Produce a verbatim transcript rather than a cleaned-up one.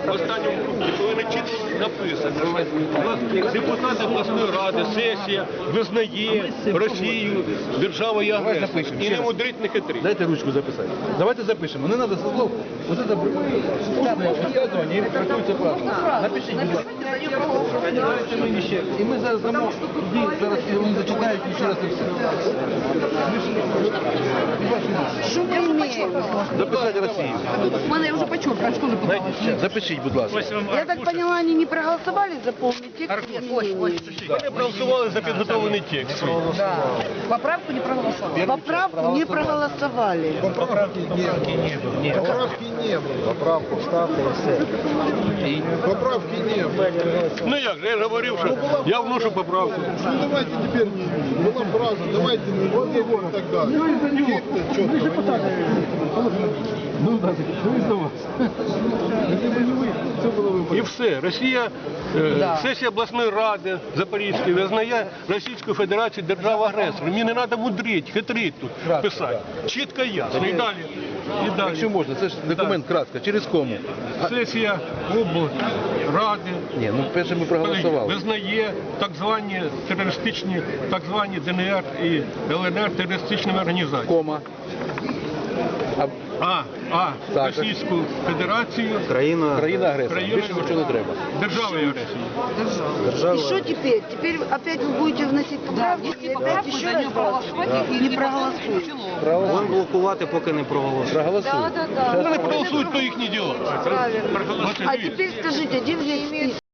в останньому пункті повинно чітко написано, що депутати обласної ради, сесія визнає Росію державою агресором. І не мудрить, не хитрить. Дайте ручку записати. Давайте запишемо. Не треба со слов. Ось це устне висказування і трактується правильно. Напишіть, будь ласка. І ми зараз дамо, тоді зараз вони зачитають і ще раз і все. Що ми маємо? Записати Росію. У мене вже почув, качку вже попалась. Запишіть, будь ласка. Я так поняла, они не проголосовали за полный текст? Вони проголосували за підготовлений текст. Да. Поправку не проголосовали. Поправку не проголосовали. Поправки не было. Поправки не было. Поправку ставьте и все. Поправки не было. Ну як же, я ж говорив, що я вношу поправку. Ну давайте теперь, была фраза, давайте не вот его и так далее. Четко. Ну так, це до вас. Це було випадку. І все. Росія, е, сесія обласної ради Запорізької визнає Російську Федерацію державою-агресором. Мені не треба мудрити, хитрити тут писати. Чітко і ясно. І далі. І далі. Якщо можна, це ж документ кратко. Через кому? Сесія облради Ні, ну перше ми проголосували. визнає так звані терористичні, так звані ДНР і ЛНР терористичними організаціями. Кома. А А, а, Так. Російську Федерацію країна агресор. Країна- Більше нічого не треба. державою агресії. И что теперь? Теперь опять вы будете вносить поправки? Внести и опять поправку, еще за раз нее проголосовать и не не проголосуют. Будемо блокувати, поки не проголосують. Проголосуй. Вони проголосують, то їхні діла. Правильно. Проголосують. А теперь скажите, где взять список?